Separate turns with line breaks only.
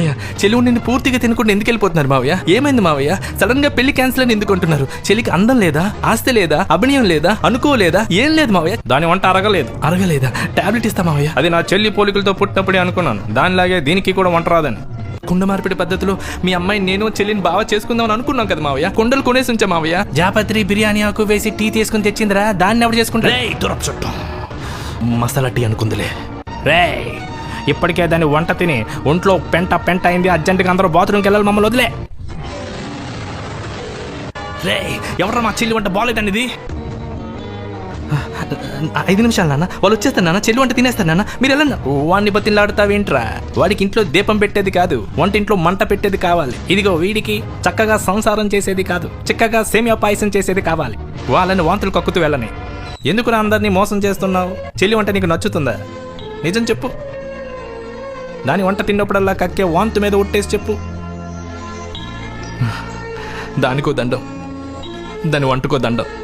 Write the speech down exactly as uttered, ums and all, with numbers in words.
మావయ్య చెల్లి నిన్ను పూర్తిగా తినకుండా ఎందుకు వెళ్ళిపోతున్నారు మావయ్య? ఏమైంది మావయ్య? సడన్ గా పెళ్లి క్యాన్సిల్ అని ఎందుకు అంటున్నారు? చెల్లికి అందం లేదా, ఆస్తి లేదా, అభినయం లేదా, అనుకోలేదా? ఏం లేదు మావయ్య.
దాని వంట అరగలేదు.
అరగలేదా? టాబ్లెట్ ఇస్తా మావయ్య.
అది నా చెల్లి పోలికలతో పుట్టినప్పుడే అనుకున్నాను, దానిలాగే దీనికి కూడా వంట రాదని.
కుండ మార్పిడి పద్ధతిలో మీ అమ్మాయి నేను చెల్లిని బాగా చేసుకుందామని అనుకున్నాం కదా మావయ్య. కుండలు కొనేసి ఉంచా మావయ్య. జాపత్రి బిర్యానీ ఆకు వేసి టీ తీసుకుని తెచ్చిందిరా, దాన్ని ఎవరు చేసుకుంటా? మసాలా టీ అనుకుందిలే.
రే ఇప్పటికే దాన్ని వంట తిని ఒంట్లో పెంట పెంట అయింది. అర్జెంటుగా అందరూ బాత్రూమ్కి వెళ్ళాలి, మమ్మల్ని వదిలే.
రే ఎవరా మా చెల్లి వంట బాగాలేదండి ఇది? ఐదు నిమిషాలు నాన్న, వాళ్ళు వచ్చేస్తారు నాన్న, చెల్లి వంట తినేస్తారు నాన్న, మీరు వెళ్ళండి.
వాడిని బతిలాడుతావేంట్రా? వాడికి ఇంట్లో దీపం పెట్టేది కాదు, వంటింట్లో మంట పెట్టేది కావాలి. ఇదిగో వీడికి చక్కగా సంసారం చేసేది కాదు, చిక్కగా సేమియా పాయసం చేసేది కావాలి. వాళ్ళని వాంతులు కక్కుతూ వెళ్ళని. ఎందుకురా అందరినీ మోసం చేస్తున్నావు? చెల్లి వంట నీకు నచ్చుతుందా? నిజం చెప్పు. దాని వంట తిన్నప్పుడల్లా కక్కే వాంతు మీద ఒట్టేసి చెప్పు.
దానికో దండం, దాని వంటకో దండం.